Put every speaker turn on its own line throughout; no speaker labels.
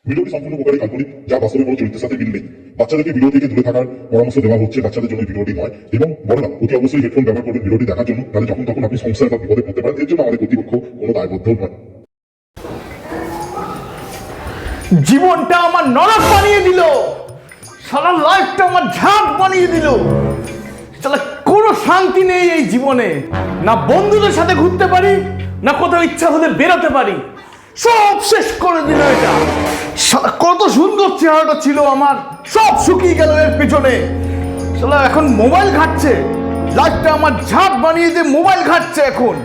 ভিডিওটি সম্পূর্ণ প্রকারে কাল্পনিক, যা বাস্তবে কোনো চরিত্রের সাথে মিল নেই। বাচ্চাদেরকে ভিডিও থেকে দূরে থাকার পরামর্শ দেওয়া হচ্ছে, বাচ্চাদের জন্য ভিডিওটি নয়। এবং বড়রা অতি অবশ্যই হেডফোন ব্যবহার করবেন ভিডিওটি দেখার জন্য, তাহলে যখন তখন আপনি সমস্যায় বা বিপদে পড়তে পারেন। এর জন্য আমাদের কর্তৃপক্ষ কোনো দায়বদ্ধ নয়।
জীবনটা আমার নরক বানিয়ে দিল, সারা লাইফটা আমার ঝাঁক বানিয়ে দিল। তাহলে কোনো শান্তি নেই এই জীবনে, না বন্ধুদের সাথে ঘুরতে পারি, না কোথাও ইচ্ছা হলে বেরোতে পারি। সব শেষ করে দিল এটা। কত সুন্দর চেহারাটা ছিল আমার, সব শুকিয়ে গেল এর পিছনে। শালা এখন মোবাইল ঘাটছে, লাইফটা আমার ঝাঁক বানিয়ে দিয়ে মোবাইল ঘাটছে এখন।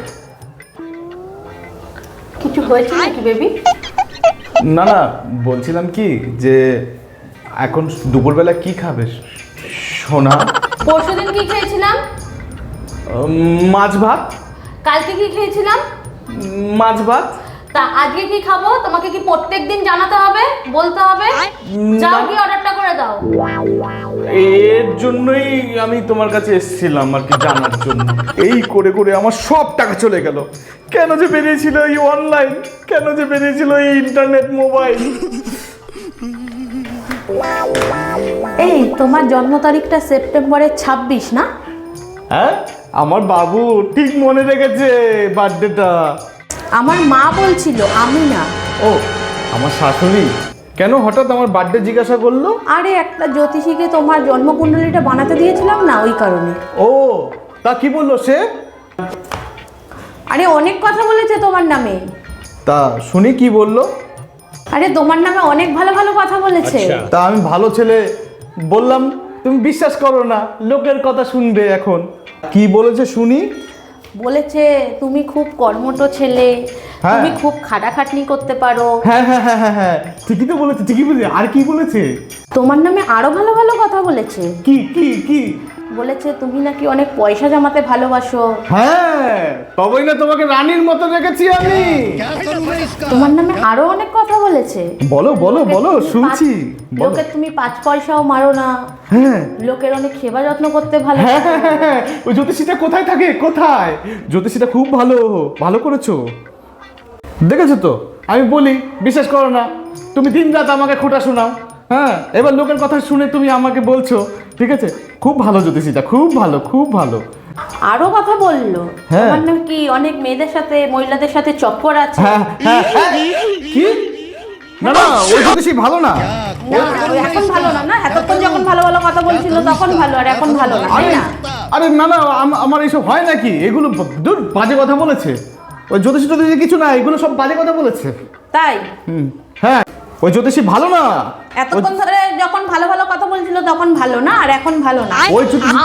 কিছু হয়েছে নাকি বেবি?
না না, বলছিলাম কি যে এখন দুপুরবেলা কি খাবে সোনা?
পরশুদিন কি খেয়েছিলাম?
মাছ ভাত।
কালকে কি খেয়েছিলাম?
মাছ ভাত।
তা আজকে কি খাবো তোমাকে কি প্রত্যেকদিন জানাতে হবে, বলতে হবে? যাও কি অর্ডারটা করে দাও।
এর জন্যই আমি তোমার কাছে এসেছিলাম আর কি, জানার জন্য। এই করে করে আমার সব টাকা চলে গেল। কেন যে বেরিয়েছিল এই অনলাইন, কেন যে বেরিয়েছিল এই ইন্টারনেট মোবাইল।
এই তোমার জন্ম তারিখটা সেপ্টেম্বরের 26 না?
হ্যাঁ, আমার বাবু ঠিক মনে রেখেছে বার্থডেটা।
আমার মা বলছিল, আমি না।
ও, আমার শাশুড়ি কেন হঠাৎ আমার বার্থডে জিজ্ঞাসা করলো?
আরে একটা জ্যোতিষীকে তোমার জন্মকুণ্ডলীটা বানাতে দিয়েছিলাম না, ওই কারণে।
ও, তা কি বললো সে?
আরে অনেক কথা বলেছে তোমার নামে।
তা শুনি কি বললো?
আরে তোমার নামে অনেক ভালো ভালো কথা বলেছে।
তা আমি ভালো ছেলে বললাম, তুমি বিশ্বাস করো না, লোকের কথা শুনবে এখন। কি বলেছে শুনি?
বলেছে তুমি খুব কর্মঠ ছেলে,
হ্যাঁ।
তুমি খুব খাটাখাটনি করতে পারো।
হ্যাঁ হ্যাঁ হ্যাঁ হ্যাঁ হ্যাঁ, ঠিকই তো বলেছে, ঠিকই বলেছে। আর কি বলেছে?
তোমার নামে আরো ভালো ভালো কথা বলেছে।
কি কি কি?
বলেছে তুমি নাকি অনেক পয়সা জমাতে ভালোবাসো।
হ্যাঁ, তবেই না তোমাকে রানীর মতো রেখেছি আমি।
তোমার নামে আরো অনেক কথা বলেছে।
বলো বলো বলো, শুনছি। বলো।
লোকের তুমি 5 পয়সাও মারো না।
হ্যাঁ
লোকের অনেক সেবা যত্ন করতে ভালো।
হ্যাঁ হ্যাঁ হ্যাঁ, হ্যাঁ। ওই জ্যোতিষীটা কোথায় থাকে, কোথায়? জ্যোতিষীটা খুব ভালো, ভালো করেছো। দেখেছো তো, আমি বলি বিশ্বাস করো না, তুমি দিন রাত আমাকে খোঁটা শোনাও। হ্যাঁ, এবার লোকের কথা শুনে তুমি আমাকে বলছো, ঠিক আছে? খুব ভালো জ্যোতিষীটা, খুব ভালো, খুব ভালো।
আরো কথা বললো।
হ্যাঁ।
তোমার নাকি অনেক মেয়েদের সাথে, মহিলাদের সাথে চক্কর আছে।
হ্যাঁ হ্যাঁ হ্যাঁ। কি? না না, ওই জ্যোতিষী ভালো না।
না, ওই এখন ভালো না। না, এতক্ষণ যখন ভালো ভালো কথা বলছিল তখন ভালো, আর এখন ভালো না, তাই না?
আরে না না, আমার এইসব হয় নাকি? এগুলো দূর, বাজে কথা বলেছে। ওই জ্যোতিষী টতিষী কিছু না, এগুলো সব বাজে কথা বলেছে।
তাই?
হ্যাঁ, ওই জ্যোতিষী ভালো না।
এতক্ষণ ধরে যখন ভালো ভালো কথা বলছিল তখন ভালো না, আর এখন ভালো না।
ওই জ্যোতিষী-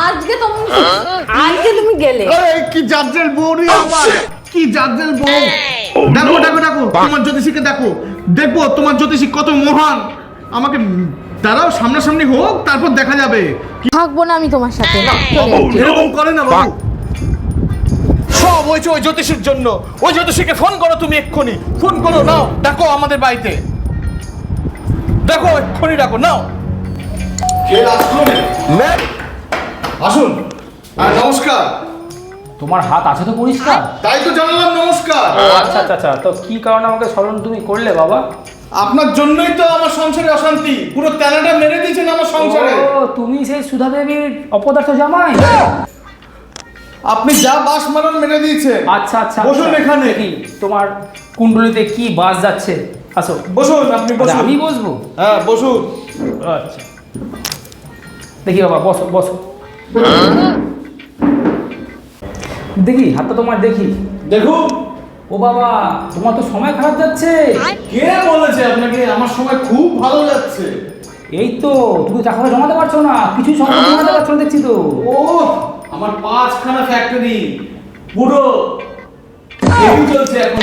আজকে তুমি গেলে।
আরে কি জাজ্জেল বউ রে আমার, কি জাজ্জেল বউ। দেখো দেখো দেখো, তোমার জ্যোতিষীকে দেখো, দেখবো তোমার জ্যোতিষী কত মহান। আমাকে দাঁড়াও, সামনাসামনি হোক, তারপর দেখা যাবে।
থাকবো না আমি তোমার সাথে।
এরকম করে না বাবু, সব হয়েছে ওই জ্যোতিষীর জন্য। ওই জ্যোতিষীকে ফোন করো তুমি, এক্ষুনি ফোন করো, নাও দেখো আমাদের বাড়িতে, দেখো এক্ষুনি ডাকো, নাও। কে আসলো? ম্যাম আসুন। নমস্কার।
তোমার হাত আছে তো পরিষ্কার?
তাই তো জানালাম নমস্কার।
আচ্ছা আচ্ছা আচ্ছা, তো কি কারণে আমাকে স্মরণ তুমি করলে বাবা?
আপনার জন্যই তো আমার সংসারে অশান্তি, পুরো তেনাটা মেরে দিয়েছেন আমার সংসারে।
ও, তুমি সেই সুধা দেবীর অপদার্থ জামাই?
আপনি যা বাস মারান মেরে দিয়েছেন।
আচ্ছা আচ্ছা,
বসুন এখানে।
কি তোমার কুণ্ডলিতে কি বাস যাচ্ছে? আসো
বসুন, আপনি
আচ্ছা,
বসুন।
আমি বসবো?
হ্যাঁ বসুন।
আচ্ছা, দেখি বাবা, বসো বসো। দেখি হাতটা তোমার, দেখি।
দেখুন।
ও বাবা, তোমার তো সময় খারাপ যাচ্ছে।
কে বলেছে আপনাকে? আমার সময় খুব ভালো যাচ্ছে।
এই তো, তুমি টাকাটা জমাতে পারছো না, কিছুই সময় জমাতে পারছো না দেখছি তো।
ও, আমার 5খানা ফ্যাক্টরি পুরো হেভি চলছে এখন।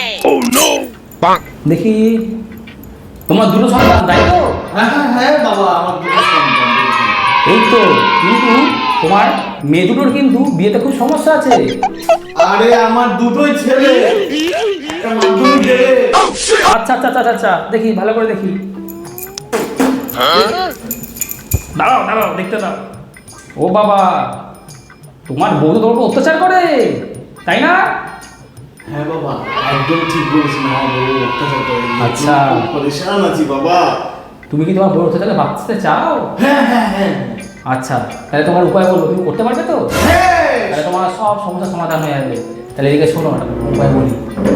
দেখি তোমার দুটো সন্তান, তাই তো?
হ্যাঁ হ্যাঁ হ্যাঁ বাবা, আমার দুটো সন্তান।
এই তো, কিন্তু তোমার মেয়ে দুটোর কিন্তু বিয়েতে খুব সমস্যা আছে।
আরে আমার দুটোই ছেলে, একটা মাধ্যমিক দেবে।
আচ্ছা আচ্ছা আচ্ছা আচ্ছা, দেখি ভালো করে দেখি। দাঁড়াও দাঁড়াও, দেখতে দাও। ও বাবা, তোমার বউ তো তোমার উপর অত্যাচার করে, তাই না?
হ্যাঁ বাবা একদম ঠিক বলেছেন, আমার বউ অত্যাচার করে।
আচ্ছা।
খুব পরেশান আছি বাবা।
তুমি কি তোমার বড় থেকে বাঁচতে চাও?
হ্যাঁ হ্যাঁ হ্যাঁ
আচ্ছা, তাহলে তোমার উপায় বলবো, তুমি করতে পারবে তো?
হ্যাঁ
তাহলে তোমার সব সমস্যার সমাধান হয়ে যাবে। তাহলে এদিকে শোনো, একটা উপায় বলি,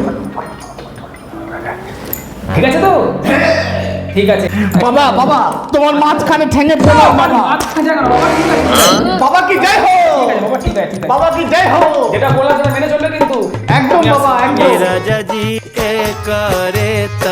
ঠিক আছে তো? ঠিক আছে
বাবা বাবা তোমার মাঝখানে ঠেঙে পড়ো বাবা।
মাঝখানে যাও না, বাবা, ঠিক আছে,
বাবা কি জয় হো,
ঠিক আছে, বাবা, ঠিক আছে, ঠিক আছে।
বাবা কি জয় হো।
যেটা বললাম সেটা মেনে চলবে কিন্তু।
একদম বাবা একদম।
राजा जी के करे